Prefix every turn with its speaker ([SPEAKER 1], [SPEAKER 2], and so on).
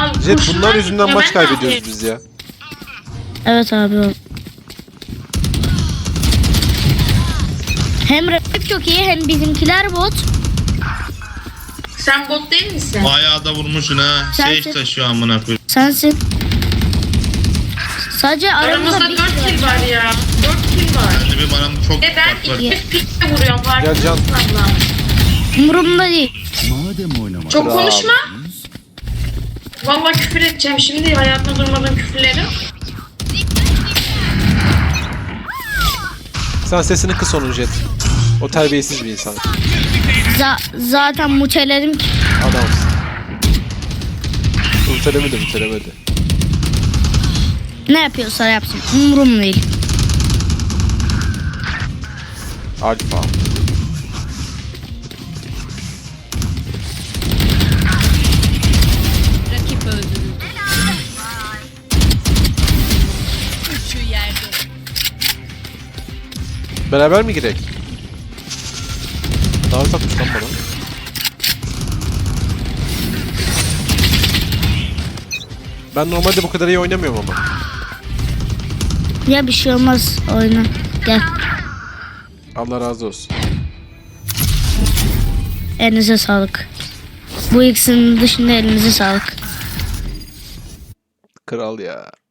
[SPEAKER 1] Jet
[SPEAKER 2] kurşunlar
[SPEAKER 1] bunlar yüzünden
[SPEAKER 2] gitmiyor,
[SPEAKER 1] maç
[SPEAKER 2] ben ne
[SPEAKER 1] kaybediyoruz
[SPEAKER 2] yapayım?
[SPEAKER 1] biz ya.
[SPEAKER 3] Evet abi. Hem rakip çok iyi hem bizimkiler bot.
[SPEAKER 2] Sen bot değil misin?
[SPEAKER 4] Bayağı da vurmuşsun ha.
[SPEAKER 3] Sensin.
[SPEAKER 4] Sage taşıyor amına koyayım.
[SPEAKER 3] Sensin. Sadece
[SPEAKER 2] Aramızda
[SPEAKER 3] aramızda
[SPEAKER 2] 4
[SPEAKER 3] bir
[SPEAKER 2] kill var ya. 4 kill var.
[SPEAKER 4] Ben de bir bana çok
[SPEAKER 2] Ve ben
[SPEAKER 4] fark var.
[SPEAKER 2] 200 pinkle vuruyorum
[SPEAKER 1] Gel Can.
[SPEAKER 2] farkındasın abla.
[SPEAKER 3] umurumda değil.
[SPEAKER 5] Madem oynamak
[SPEAKER 2] Çok
[SPEAKER 1] Bravo.
[SPEAKER 2] konuşma. Vallahi küfür edeceğim şimdi hayatımda durmadığım küfürleri.
[SPEAKER 1] Sen sesini kıs onun Jet. O terbiyesiz bir insan.
[SPEAKER 3] Zaten mutelerim ki.
[SPEAKER 1] Adamsın. Mutelemedi.
[SPEAKER 3] Ne yapıyorsa yapsın. Umurum değil.
[SPEAKER 1] Alfa.
[SPEAKER 6] Rakip öldürüldü. Şu yerde.
[SPEAKER 1] Beraber mi girek? Davet atmış lan bana. Ben normalde bu kadar iyi oynamıyorum ama.
[SPEAKER 3] Ya bir şey olmaz oyna. Gel.
[SPEAKER 1] Allah razı olsun.
[SPEAKER 3] Elinize sağlık. Bu ikisinin dışında elinize sağlık.
[SPEAKER 1] Kral ya.